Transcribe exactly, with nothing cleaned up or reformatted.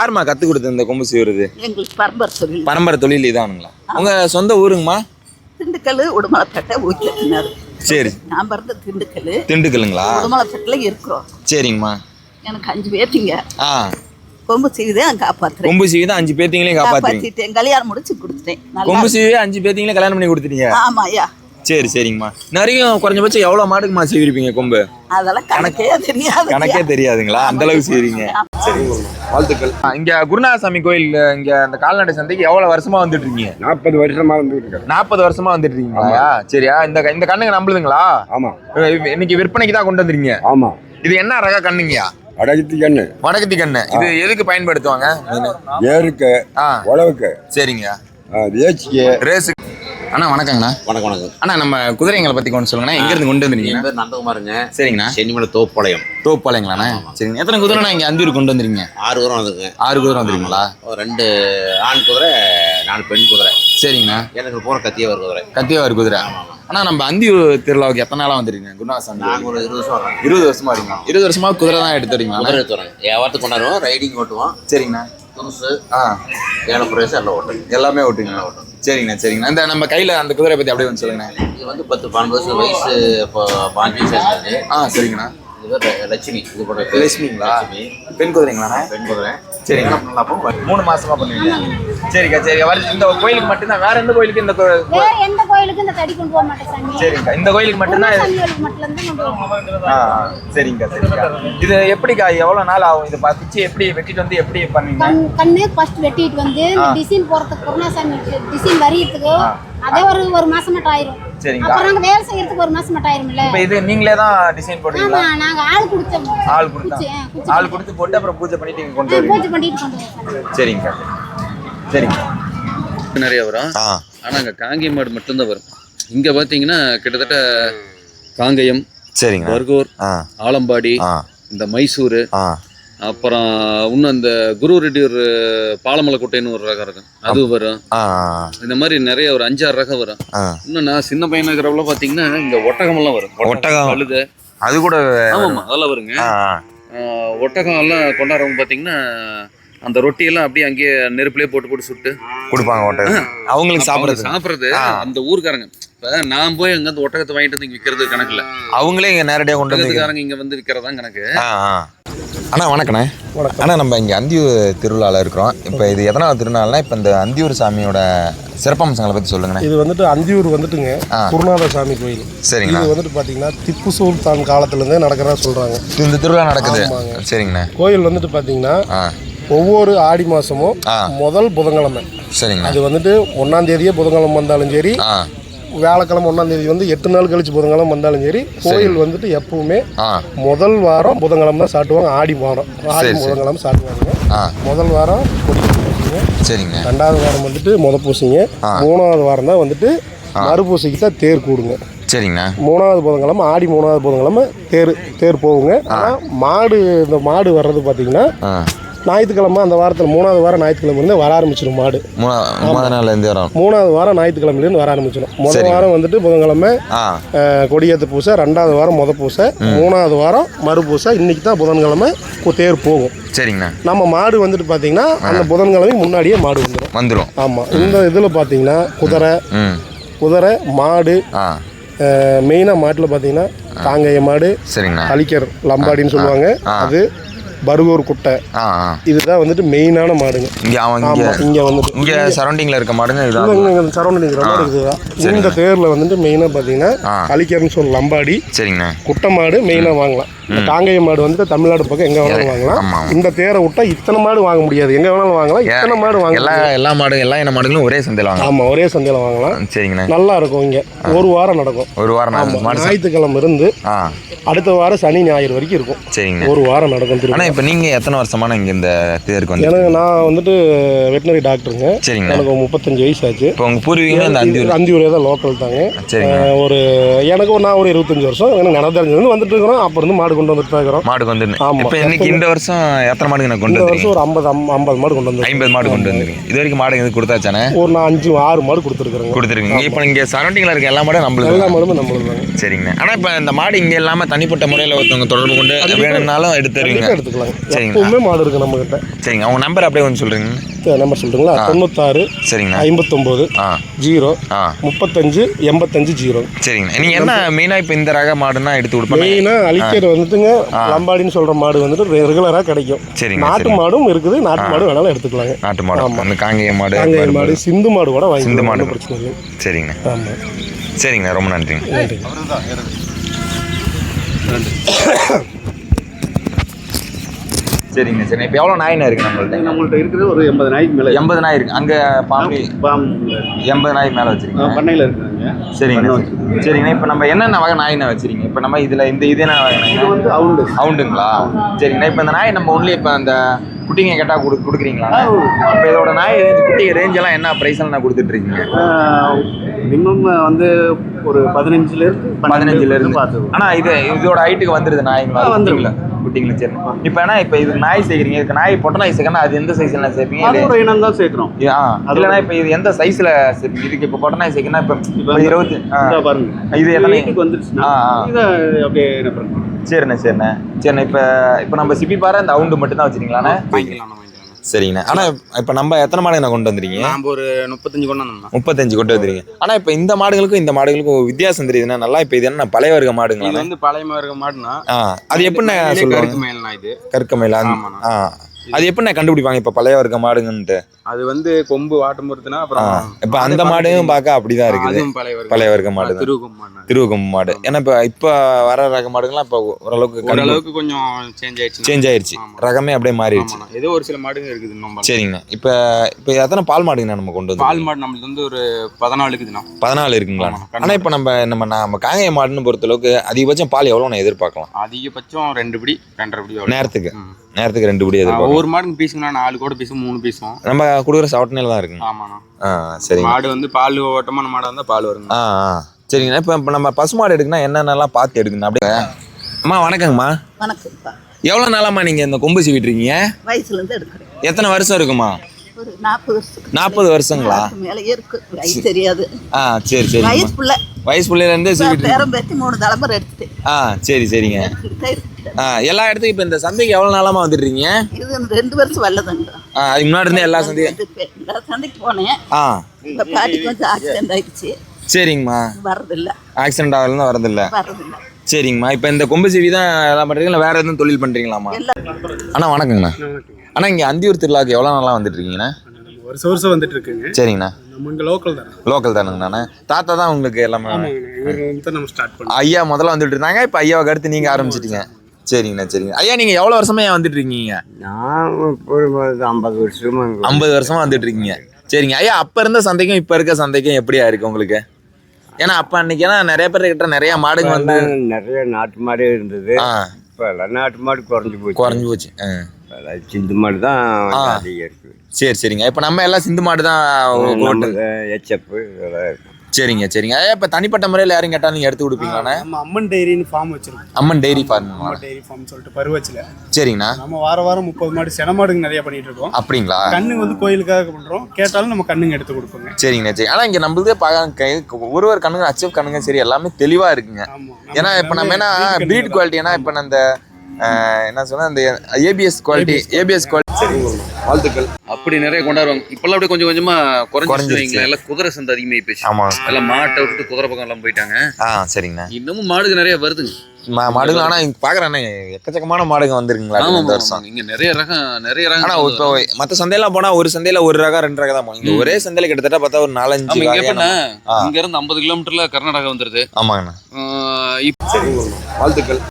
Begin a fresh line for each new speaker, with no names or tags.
யாருமா கத்து கொடுத்தது இந்த கொம்பு சீவுறது?
எங்களுக்கு பரம்பரை தொழில்.
பரம்பரை தொழில் இதானுங்களா? உங்க சொந்த ஊருங்கம்மா?
திண்டுக்கல், உடுமலைப்பேட்டை, ஊக்கினார்.
சரி.
நான் பிறந்த திண்டுக்கல்.
திண்டுக்கல்லுங்களா?
உடுமலைப்பேட்டில் இருக்கிறோம்.
சரிங்கம்மா.
எனக்கு அஞ்சு பேர்த்திங்க.
ஆ.
கொம்பு சீவிதான் காப்பாத்துறேன்.
கொம்பு சீவி தான் அஞ்சு பேர்த்திங்களையும் காப்பாத்திட்டேன்.
கல்யாணம் முடிச்சு கொடுத்துட்டேன்.
கொம்பு சீவி அஞ்சு பேர்த்திங்களையும் கல்யாணம் பண்ணி கொடுத்துட்டீங்க? ஆமா ஐயா. சரி சரிங்கம்மா. நிறைய குறைஞ்சபட்சம் எவ்வளவு மாடுக்குமா சீவிருப்பீங்க கொம்பு?
அதெல்லாம் கணக்கே தெரியாது.
கணக்கே தெரியாதுங்களா? அந்த அளவுக்கு சீவிங்க. சரிங்க, வாழ்த்துக்கள். இங்க குருநாதசாமி கோயில் இங்க அந்த கால்நடை சந்தைக்கு எவ்வளவு வருஷமா வந்துட்டு இருக்கீங்க?
நாற்பது வருஷமா வந்துட்டு இருக்கேன்.
நாற்பது வருஷமா வந்துட்டு இருக்கீங்களா? சரியா. இந்த இந்த கண்ணுங்க நம்பளுதுங்களா? ஆமா. இன்னைக்கு விற்பனைக்கு தான் கொண்டு வந்துருக்கீங்க? ஆமா. இது என்ன ரக கண்ணுங்கயா?
வடகத்தி கண்ணு.
வடகத்தி கண்ணு. இது எதுக்கு பயன்படுத்துவாங்க?
ஏருக்கு, உழவுக்கு.
சரிங்க.
ரேஸுக்கு.
ரேஸுக்கு. அண்ணா வணக்கங்கண்ணா.
வணக்கம் வணக்கம்.
அண்ணா நம்ம குதிரைங்களை பத்தி கொஞ்சம் சொல்லுங்கண்ணா. எங்க இருந்து கொண்டு வந்துருக்கீங்க?
என் பேர் நந்தகுமாருங்க.
சரிங்கண்ணா.
சென்னிமலை தோப்பாளையம்.
தோப்பாளையங்களாண்ணா? சரிங்க. எத்தனை குதிரைண்ணா இங்க அந்தியூர் கொண்டு வந்துருக்கீங்க?
ஆறு குதிரை வந்துருங்க.
ஆறு குதிரை வந்துருக்கீங்களா?
ரெண்டு ஆண் குதிரை, நாலு பெண் குதிரை.
சரிங்கண்ணா.
எனக்கு போன கத்தியவர் குதிரை.
கத்தியவர் குதிரை. ஆனா நம்ம அந்தியூர் திருவிழாவுக்கு எத்தனை நாளா வந்துருக்கீங்க? குருநாதசாமி
நாங்கள் ஒரு இருபது வருஷம் வரோம்.
இருபது வருஷமா இருக்கீங்க? இருபது வருஷமா குதிரை தான் எடுத்து வரீங்களா?
குதிரை எடுத்து வரோங்க. வியாபாரத்துக்கு கொண்டாடுவோம், ரைடிங் ஓட்டுவோம்.
சரிங்கண்ணா.
துணுசு,
ஆ,
ஏழை பிரவேசம் எல்லாம் ஓட்டும்.
எல்லாமே ஓட்டுங்களா? ஓட்டும். சரிங்கண்ணா சரிங்கண்ணா. இந்த நம்ம கையில அந்த குதிரை பத்தி அப்படியே வந்து சொல்லுங்கண்ணா.
இது வந்து பத்து பன்னெண்டு வருஷம் வயசு. இப்போ பாஞ்சு வயசு ஆகுது.
ஆ சரிங்கண்ணா.
இது லட்சுமி. இது போட
லட்சுமிங்களா? பெண் குதிரைங்களாண்ணா?
பெண் குதிரை.
சரிங்க. மூணு மாசமா பண்ணுவீங்க? சரிக்கா சரிக்கா. இந்த கோயிலுக்கு மட்டும்தான்? வேற எந்த கோயிலுக்கு இந்த
வேற எந்த கோயிலுக்கு இந்த தடி கொண்டு போக மாட்டேன் சாமி.
சரிங்கக்கா. இந்த கோயிலுக்கு மட்டும்தான்?
சாமிகளுக்கு மட்டும் தான் கொண்டு போவோம்.
ஆ சரிங்கக்கா சரிங்கக்கா. இது எப்படிக்கா எவ்வளவு நாள் ஆகும்? இது பிச்சு எப்படி வெட்டிட்டு வந்து எப்படி பண்ணுவீங்க?
கண்ணு ஃபர்ஸ்ட் வெட்டிட்டு வந்து டிசைன் போறதுக்கு குருநாசாமி டிசைன் வரியறதுக்கு அதே ஒரு ஒரு மாசம் மட்டும் ஆயிரும்.
சரிங்க.
அப்புறம் நாங்க வேலை செய்யறதுக்கு ஒரு மாசம் மட்டும் ஆயிரும்ல.
இப்போ இது நீங்களே தான் டிசைன் போடுவீங்களா?
ஆமா, நாங்க ஆள் கொடுத்தோம்.
ஆள் கொடுத்தா ஆள் கொடுத்து போட்டு அப்புறம் பூஜை பண்ணிட்டு இங்க கொண்டு வருவீங்க?
பூஜை பண்ணிட்டு கொண்டு வருவோம்.
சரிங்க சரிங்க.
நிறைய வரும். ஆனா அங்க காங்கேயம் மாடு மட்டும்தான் வரும். இங்க பாத்தீங்கன்னா கிட்டத்தட்ட காங்கேயம்,
சரிங்க,
பர்கூர், ஆலம்பாடி, இந்த மைசூர், அப்புறம் இன்னும் அந்த குரு ரெட்டி ஒரு பாலமலை கோட்டைன்னு ஒரு ரகம் இருக்கும், அது வரும். இந்த மாதிரி நிறைய ஒரு அஞ்சாறு ரகம் வரும். இன்னும் நான் சின்ன பையனா இருக்கிறவங்கள பாத்தீங்கன்னா இங்க ஒட்டகம் எல்லாம் வரும்.
ஒட்டகம்
அழுது
அது கூட.
ஆமாமா, அதெல்லாம் வருங்க. ஒட்டகம் எல்லாம் கொண்டாடுறவங்க பாத்தீங்கன்னா அந்த ரொட்டியெல்லாம் அப்படியே அங்கேயே நெருப்புலேயே போட்டு போட்டு சுட்டு கொடுப்பாங்க. ஒட்டகம் அவங்களுக்கு சாப்பிட்றது சாப்பிட்றது அந்த ஊருக்காரங்க. இப்போ நான் போய் அங்கே அந்த ஒட்டகத்தை வாங்கிட்டு வந்து இங்கே விற்கிறது கணக்கில், அவங்களே இங்கே நேரடியாக கொண்டு வந்துக்காரங்க இங்கே வந்து விற்கிறதான் கணக்கு.
அண்ணா வணக்கண்ணே. அண்ணா நம்ம இங்கே அந்தியூர் திருவிழாவில் இருக்கிறோம். இப்போ இது எதனால் திருநாள்னா இப்போ இந்த அந்தியூர் சாமியோட சிறப்பம்சங்களை பற்றி சொல்லுங்கண்ணே.
இது வந்துட்டு அந்தியூர் வந்துட்டுங்க குருநாத சாமி கோயில்.
சரிங்க. இது
வந்துட்டு பார்த்தீங்கன்னா திப்பு சுல்தான் காலத்துலேருந்தே நடக்கிறதா சொல்கிறாங்க.
இந்த திருவிழா நடக்குது. சரிங்கண்ணா.
கோயில் வந்துட்டு பார்த்தீங்கன்னா ஒவ்வொரு ஆடி மாதமும் முதல் புதன்கிழமை. சரிங்க. அது வந்துட்டு ஒன்றாம் தேதியே புதன்கிழமை வந்தாலும் சரி, வியாழக்கிழமை ஒன்றாம் தேதி வந்து எட்டு நாள் கழிச்சு புதன்கிழமை வந்தாலும் சரி, கோயில் வந்துட்டு எப்பவுமே முதல் வாரம் புதன்கிழமை தான் சாட்டுவாங்க. ஆடி வாரம் ஆடி புதன்கிழமை சாட்டுவாங்க. முதல் வாரம் கொடிங்க. சரிங்க. ரெண்டாவது வாரம் வந்துட்டு முத பூசிங்க. மூணாவது வாரம் தான் வந்துட்டு மறுபூசைக்கு தான் தேர் கூடுங்க.
சரிங்க.
மூணாவது புதன்கிழமை ஆடி மூணாவது புதன்கிழமை தேர் தேர் போகுங்க. ஆனால் மாடு இந்த மாடு வர்றது பார்த்தீங்கன்னா ஞாயிற்றுக்கிழமை அந்த வாரத்தில் மூணாவது வாரம் ஞாயிற்றுக்கிழமைலேருந்து வர ஆரம்பிச்சிடும் மாடு. மூணாவது வாரம் ஞாயிற்றுக்கிழமைலேருந்து வர ஆரம்பிச்சிடும். முதல் வாரம் வந்துட்டு புதன்கிழமை கொடியேற்ற பூசை, ரெண்டாவது வாரம் முத பூசை, மூணாவது வாரம் மறுபூசை. இன்னைக்கு தான் புதன்கிழமை தேர் போகும். சரிங்கண்ணா. நம்ம மாடு வந்துட்டு பார்த்தீங்கன்னா அந்த புதன்கிழமை முன்னாடியே மாடு வந்துடும் வந்துடும் ஆமாம். இந்த இதில் பார்த்தீங்கன்னா குதிரை குதிரை மாடு மெயினாக மாட்டில் பார்த்தீங்கன்னா காங்கேய மாடு, அலிக்கர் லம்பாடின்னு சொல்லுவாங்க, அது பர்கூர் குட்டை, இதுதான் வந்துட்டு மெயினான மாடுங்க. இங்கே இங்கே வந்துட்டு இங்கே சரௌண்டிங்கில் இருக்க மாடுங்க. சரௌண்டிங் இருக்கிற மாடு இதுதான். இந்த தேரில் வந்துட்டு மெயினாக பார்த்தீங்கன்னா அலிக்கர்னு சொல்ல லம்பாடி. சரிங்க. குட்டை மாடு மெயினாக வாங்கலாம். இந்த காங்கேய மாடு வந்துட்டு தமிழ்நாடு பக்கம் எங்கே வேணாலும் வாங்கலாம். இந்த தேரை விட்டா இத்தனை மாடு வாங்க முடியாது. எங்கே வேணாலும் வாங்கலாம். இத்தனை மாடு வாங்க எல்லா எல்லா மாடு எல்லா என்ன மாடுகளும் ஒரே சந்தையில் வாங்கலாம். ஆமாம், ஒரே சந்தையில் வாங்கலாம். சரிங்கண்ணா. நல்லா இருக்கும். இங்கே ஒரு வாரம் நடக்கும். ஒரு வாரம் ஞாயிற்றுக்கிழமை இருந்து அடுத்த வாரம் சனி ஞாயிறு வரைக்கும் இருக்கும். சரிங்க. ஒரு வாரம் நடக்கும்.
ஆனால் இப்போ நீங்கள் எத்தனை வருஷமான இங்கே இந்த தேருக்கு வந்து?
எனக்கு நான் வந்துட்டு வெட்டினரி டாக்டருங்க. சரிங்க. எனக்கு முப்பத்தஞ்சு வயசு ஆச்சு. இப்போ உங்கள் பூர்வீகம் இந்த அந்தியூர் அந்தியூரே தான் லோக்கல் தாங்க. சரிங்க. ஒரு எனக்கு நான் ஒரு இருபத்தஞ்சு வருஷம் எனக்கு நடந்தறிஞ்சு வந்துட்டு இருக்கிறோம். அப்போ இருந்து மாடு மாடு கொண்டு வந்துட்டு தான் இருக்கிறோம்.
மாடு கொண்டு வந்து
ஆமா.
இப்போ இன்னைக்கு இந்த வருஷம் எத்தனை மாடுங்க நான் கொண்டு
இந்த
வந்துருக்கீங்க?
வருஷம் ஒரு ஐம்பது ஐம்பது மாடு கொண்டு வந்து
ஐம்பது மாடு கொண்டு வந்துருக்கீங்க. இது வரைக்கும் மாடு எதுவும் கொடுத்தாச்சானே?
ஒரு நான் அஞ்சு ஆறு மாடு கொடுத்துருக்குறேங்க.
கொடுத்துருக்கீங்க. இப்போ இங்கே சரௌண்டிங்கில் இருக்க எல்லா மாடும் நம்மளுக்கு
எல்லா மாடுமே நம்மளுக்கு தாங்க.
சரிங்கண்ணா. ஆனால் இப்போ இந்த மாடு இங்கே இல்லாமல் தனிப்பட்ட முறையில் ஒருத்தவங்க தொடர்பு கொண்டு வேணும்னாலும் எடுத்து தருவீங்க?
எடுத்துக்கலாம்.
சரிங்க.
எப்பவுமே மாடு இருக்கு நம்ம கிட்ட.
சரிங்க. அவங்க நம்பர் அப்படியே கொஞ்சம் சொல்கிறீங்க?
நம்பர் சொல்றீங்களா? தொண்ணூத்தாறு
சரிங்கண்ணா
ஐம்பத்தொம்போது
ஆ
ஜீரோ
ஆ
முப்பத்தஞ்சு எண்பத்தஞ்சு ஜீரோ.
சரிங்கண்ணா. நீங்கள் என்ன மெயினாக இப்போ இந்த ரக மாடுன்னா எடுத்து கொடுப்பீங்க?
மெயினாக அழிக்கிறது வந்துட்டுங்க லம்பாடின்னு சொல்ற மாடு வந்துட்டு ரெகுலராக கிடைக்கும்.
சரிங்க.
நாட்டு மாடும் இருக்குது, நாட்டு மாடு வேணாலும் எடுத்துக்கலாங்க.
நாட்டு மாடு, அந்த காங்கேய மாடு,
காங்கேய மாடு, சிந்து மாடு கூட வாங்கி.
சிந்து மாடு
பிரச்சனை இல்லை.
சரிங்கண்ணா.
ஆமாம்.
சரிங்கண்ணா, ரொம்ப நன்றிங்க.
நன்றி.
சரிங்க சரி. இப்போ எவ்வளோ நாயினா இருக்குது நம்மள்ட்ட?
நம்மள்ட்ட இருக்கிறது ஒரு எண்பது நாய்க்கு மேலே.
எண்பது நாய் இருக்குது. அங்கே பாம்பு எண்பது நாய் மேலே வச்சுருக்கீங்க?
பண்ணையில் இருக்குங்க.
சரிங்கண்ணா. சரிங்கண்ணா. இப்போ நம்ம என்னென்ன வகை நாயினா வச்சுருக்கீங்க? இப்போ நம்ம இதில் இந்த இது என்ன வகை நாய்?
வந்து அவுண்டு
அவுண்டுங்களா? சரிங்கண்ணா. இப்போ இந்த நாய் நம்ம ஒன்லி இப்போ அந்த குட்டிங்க கேட்டால் கொடு கொடுக்குறீங்களா? இப்போ இதோட நாய் குட்டி ரேஞ்செல்லாம் என்ன ப்ரைஸில் நான் கொடுத்துட்ருக்கீங்க?
மினிமம் வந்து ஒரு பதினஞ்சுலேருந்து
பதினஞ்சுலேருந்து
பார்த்து.
ஆனால் இது இதோட ஹைட்டுக்கு வந்துடுது நாய்ங்களா? வந்துருங்களா குட்டிங்களா? சரி. இப்போ என்ன இப்போ இது நாய் சேர்க்குறீங்க, இதுக்கு நாய் பொட்டை நாய் சேர்க்கணும், அது எந்த சைஸ்ல சேர்ப்பீங்க?
அதோட இனம் தான் சேர்க்குறோம்.
ஆ இல்லைனா இப்போ இது எந்த சைஸில் சேர்ப்பீங்க? இதுக்கு இப்போ பொட்டை நாய் சேர்க்கணும், இப்போ இப்போ இருபத்தி
பாருங்க
இது எத்தனை
வந்துருச்சுன்னா இதை அப்படியே என்ன பண்ணுறோம்?
சரிண்ணே சரிண்ணே சரிண்ணே. இப்போ இப்போ நம்ம சிப்பி பாரு அந்த அவுண்டு மட்டும் தான் வச்சுருக்கீங்களாண்ணே? சரிங்கண்ணா. ஆனால் இப்போ நம்ம எத்தனை மாடுங்க கொண்டு வந்துருக்கீங்க?
நம்ம ஒரு முப்பத்தஞ்சு கொண்டு வந்தோம்.
முப்பத்தஞ்சு கொண்டு வந்துருக்கீங்க. ஆனால் இப்போ இந்த மாடுகளுக்கும் இந்த மாடுகளுக்கும் வித்தியாசம் தெரியுதுன்னா நல்லா. இப்போ இது என்ன பழைய வர்க்க மாடுங்களா?
இது வந்து பழைய வர்க்க மாடுனா
ஆ அது எப்படிண்ணே சொல்லுவாங்க?
மேல்னா இது
கற்கமையில. ஆ அது எப்படிண்ணே கண்டுபிடிப்பாங்க இப்போ பழைய வர்க்க மாடுங்கன்ட்டு?
அது வந்து கொம்பு வாட்டும் பொறுத்துனா அப்புறம்
இப்போ அந்த மாடும் பார்க்க அப்படிதான் இருக்குது. பழைய வர்க்க மாடு, திருவகம் மாடு. ஏன்னா இப்போ இப்போ வர ரக மாடுங்கள்லாம் இப்போ ஓரளவுக்கு
ஓரளவுக்கு கொஞ்சம் சேஞ்ச் ஆயிடுச்சு.
சேஞ்ச் ஆயிடுச்சு. ரகமே அப்படியே மாறிடுச்சு.
ஏதோ ஒரு சில மாடுங்க இருக்குது இன்னும்.
சரிங்கண்ணா. இப்போ இப்போ எத்தனை பால் மாடுங்கண்ணா நம்ம கொண்டு வந்து?
பால் மாடு நம்மளுக்கு வந்து ஒரு பதினாலு இருக்குதுண்ணா.
பதினாலு இருக்குங்களா? ஆனால் இப்போ நம்ம நம்ம நம்ம காங்கேய மாடுன்னு பொறுத்தளவுக்கு அதிகபட்சம் பால் எவ்வளோ நான் எதிர்பார்க்கலாம்?
அதிகபட்சம் ரெண்டு படி ரெண்டரை படி
நேரத்துக்கு நேரத்துக்கு ரெண்டு படி எதிர்பார்க்கலாம்.
ஒரு மாடுங்க பீஸுங்கண்ணா நாலு கூட பீஸும் மூணு பீஸும்
நம்ம கொடுக்குற சவட்டனையில் தான் இருக்குங்க.
ஆமாண்ணா.
ஆ சரி.
மாடு வந்து பால் ஓட்டமான மாடாக இருந்தால் பால் வருங்க.
ஆ ஆ சரிங்கண்ணா. இப்போ இப்போ நம்ம பசு மாடு எடுக்குன்னா என்னென்னலாம் பார்த்து எடுக்கணும் அப்படியே? அம்மா வணக்கங்கம்மா.
வணக்கம்ப்பா.
எவ்வளோ நாளாம்மா நீங்கள் இந்த கொம்பு சீவிட்டு இருக்கீங்க?
வயசுலேருந்து எடுக்கிறேன்.
எத்தனை வருஷம் இருக்குமா?
ஒரு நாற்பது வருஷத்துக்கு
நாற்பது வருஷங்களா?
மேலேயே இருக்கு. வயசு தெரியாது.
ஆ சரி சரி.
வயசு பிள்ளை
வயசு பிள்ளையிலேருந்தே சீவிட்டு
பேரம் பேத்தி மூணு தலைமுறை எடுத்துட்டேன்.
ஆ சரி சரிங்க. ஆ எல்லா இடத்துக்கும் இப்போ இந்த சந்தைக்கு எவ்வளோ நாளாமா வந்துடுறீங்க?
இது ரெண்டு வருஷம் வரலதாங்க.
ஆ அதுக்கு முன்னாடி இருந்தே எல்லா சந்தையும்
எல்லா சந்தைக்கு போனேன்.
ஆ
இந்த பாட்டிக்கு வந்து ஆக்சிடென்ட் ஆயிடுச்சு.
சரிங்கம்மா.
வர்றதில்ல.
ஆக்சிடென்ட் ஆகலாம் வரதில்ல.
வர்றதில்ல.
சரிங்கம்மா. இப்போ இந்த கொம்பு சீவி தான் எல்லாம் பண்ணுறீங்களா, வேறு எதுவும் தொழில் பண்ணுறீங்களாம்மா? அண்ணா வணக்கங்கண்ணா. அண்ணா இங்கே அந்தியூர் திருவிழாவுக்கு எவ்வளோ நாளாக வந்துட்டு இருக்கீங்கண்ணா?
வருஷம் வருஷம் வந்துட்டு இருக்குங்க.
சரிங்கண்ணா.
நம்ம இங்கே லோக்கல் தான்.
லோக்கல் தானுங்கண்ணா. தாத்தா தான் உங்களுக்கு எல்லாமே?
இவர் வந்து நம்ம ஸ்டார்ட் பண்ணோம்.
ஐயா முதல்ல வந்துட்டு இருந்தாங்க, இப்போ ஐயாவுக்கு அடுத்து நீங்கள் ஆரம்பிச்சிட்டீங்க. சரிங்கண்ணா சரிங்க. ஐயா நீங்கள் எவ்வளோ வருஷமா ஏன் வந்துட்டு இருக்கீங்க?
நான் ஒரு ஐம்பது வருஷமா
ஐம்பது வருஷமா வந்துட்டு இருக்கீங்க. சரிங்க ஐயா. அப்போ இருந்த சந்தைக்கும் இப்போ இருக்க சந்தைக்கும் எப்படியா இருக்கு உங்களுக்கு? ஏன்னா அப்போ அன்னைக்கேனா நிறைய பேர் கிட்ட நிறைய மாடுங்க வந்து
நிறைய நாட்டு மாடே இருந்தது. இப்போ எல்லாம் நாட்டு மாடு குறைஞ்சி போச்சு.
குறைஞ்சி போச்சு.
சிந்து மாடு தான் அதிகம் இருக்கு.
சரி சரிங்க. இப்போ நம்ம எல்லாம் சிந்து மாடு தான்
எச்எப்பு இதெல்லாம் இருக்கு.
சரிங்க சரிங்க. இப்போ தனிப்பட்ட முறையில் யாரும் கேட்டாலும் நீங்கள் எடுத்து கொடுப்பீங்களாண்ணே?
நம்ம அம்மன் டைரின்னு ஃபார்ம் வச்சிருக்கோம்.
Amman dairy farm.
Amman dairy farm சொல்லிட்டு பருவச்சில்.
சரிங்கண்ணா.
நம்ம வார வாரம் முப்பது மாடு சென மாடுங்க நிறைய பண்ணிட்டு இருக்கோம்.
அப்படிங்களா?
கண்ணுங்க வந்து கோயிலுக்காக பண்றோம். கேட்டாலும் நம்ம கண்ணுங்க எடுத்து கொடுப்போங்க.
சரிங்கண்ணா சரி. ஆனால் இங்கே நம்மளுதே பார்க்க ஒரு ஒரு கண்ணுங்க அச்சீவ் கண்ணுங்க சரி எல்லாமே தெளிவாக இருக்குங்க. ஏன்னா இப்போ நம்ம என்ன பீட் குவாலிட்டி, ஏன்னா இப்போ அந்த என்ன சொன்னா இந்த ஏபிஎஸ் குவாலிட்டி ஏபிஎஸ் குவாலிட்டி. வாழ்த்துக்கள்.
அப்படி நிறைய கொண்டாடுவாங்க. இப்பெல்லாம் அப்படியே கொஞ்சம் கொஞ்சமா குறைஞ்சிருச்சு. எல்லாம் குதிரை சந்தை அதிகமாகி போச்சு.
ஆமா.
எல்லாம் மாட்டை விட்டுட்டு குதிரை பக்கம் எல்லாம் போயிட்டாங்க.
ஆ சரிங்கண்ணா.
இன்னமும் மாடுங்க நிறைய வருதுங்க.
மாடுகள் ஆனால் இங்கே பார்க்குறேண்ணே எக்கச்சக்கமான மாடுங்க வந்துருக்குங்களா இந்த வருஷம்?
இங்கே நிறைய ரகம் நிறைய ரகம்.
ஆனால் இப்போ மற்ற சந்தையெல்லாம் போனால் ஒரு சந்தையில் ஒரு ரகம் ரெண்டு ரகம் தான் போகும். இங்கே ஒரே சந்தையில் கிட்டத்தட்ட பார்த்தா ஒரு நாலஞ்சு.
இங்கே எப்படின்னா இங்க இருந்து ஐம்பது கிலோமீட்டர்ல கர்நாடகா வந்துருது.
ஆமாங்கண்ணா.
இப்போ
வாழ்த்துக்கள்.